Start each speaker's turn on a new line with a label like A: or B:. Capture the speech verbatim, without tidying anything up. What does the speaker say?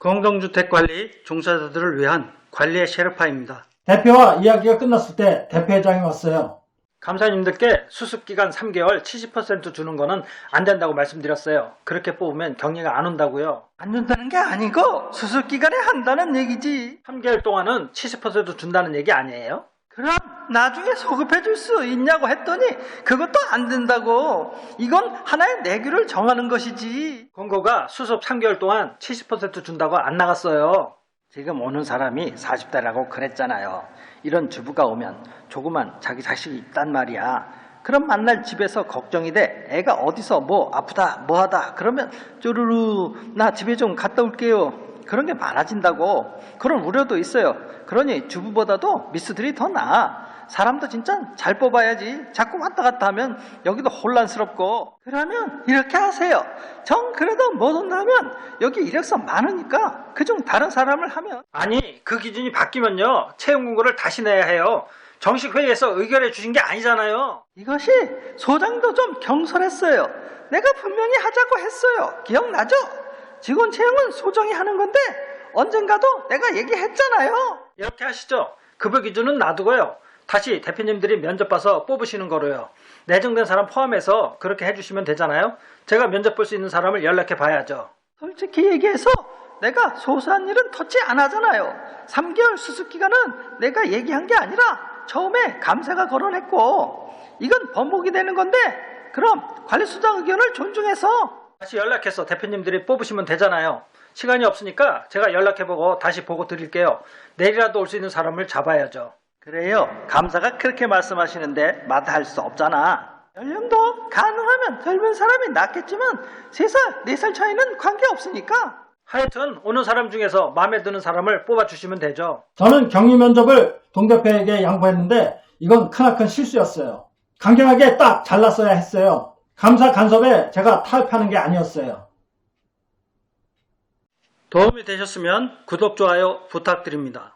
A: 공동주택관리 종사자들을 위한 관리의 셰르파입니다.
B: 대표와 이야기가 끝났을 때 대표회장이 왔어요.
A: 감사님들께 수습기간 삼 개월 칠십 퍼센트 주는 거는 안 된다고 말씀드렸어요. 그렇게 뽑으면 격리가 안 온다고요. 안 준다는 게 아니고 수습기간에 한다는 얘기지. 삼 개월 동안은 칠십 퍼센트 준다는 얘기 아니에요? 그럼 나중에 소급해 줄 수 있냐고 했더니 그것도 안 된다고. 이건 하나의 내규를 정하는 것이지. 공고가 수습 삼 개월 동안 칠십 퍼센트 준다고 안 나갔어요. 지금 오는 사람이 사십 대라고 그랬잖아요. 이런 주부가 오면 조그만 자기 자식이 있단 말이야. 그럼 만날 집에서 걱정이 돼. 애가 어디서 뭐 아프다 뭐하다 그러면 쪼르르 나 집에 좀 갔다 올게요. 그런 게 많아진다고. 그런 우려도 있어요. 그러니 주부보다도 미스들이 더 나아. 사람도 진짜 잘 뽑아야지. 자꾸 왔다 갔다 하면 여기도 혼란스럽고. 그러면 이렇게 하세요. 정 그래도 못 온다면 여기 이력서 많으니까 그중 다른 사람을 하면. 아니 그 기준이 바뀌면요 채용 공고를 다시 내야 해요. 정식 회의에서 의결해 주신 게 아니잖아요. 이것이 소장도 좀 경솔했어요. 내가 분명히 하자고 했어요. 기억나죠? 직원 채용은 소정이 하는 건데 언젠가도 내가 얘기했잖아요. 이렇게 하시죠. 급여 기준은 놔두고요. 다시 대표님들이 면접 봐서 뽑으시는 거로요. 내정된 사람 포함해서 그렇게 해주시면 되잖아요. 제가 면접 볼 수 있는 사람을 연락해 봐야죠. 솔직히 얘기해서 내가 소소한 일은 터치 안 하잖아요. 삼 개월 수습기간은 내가 얘기한 게 아니라 처음에 감사가 거론했고 이건 번복이 되는 건데 그럼 관리수장 의견을 존중해서 다시 연락해서 대표님들이 뽑으시면 되잖아요. 시간이 없으니까 제가 연락해보고 다시 보고 드릴게요. 내일이라도 올 수 있는 사람을 잡아야죠. 그래요. 감사가 그렇게 말씀하시는데 마다할 수 없잖아. 연령도 가능하면 젊은 사람이 낫겠지만 세 살, 네 살 차이는 관계없으니까. 하여튼 오는 사람 중에서 마음에 드는 사람을 뽑아주시면 되죠.
B: 저는 격리 면접을 동대표에게 양보했는데 이건 크나큰 실수였어요. 강경하게 딱 잘랐어야 했어요. 감사 간섭에 제가 타협하는 게 아니었어요.
A: 도움이 되셨으면 구독, 좋아요 부탁드립니다.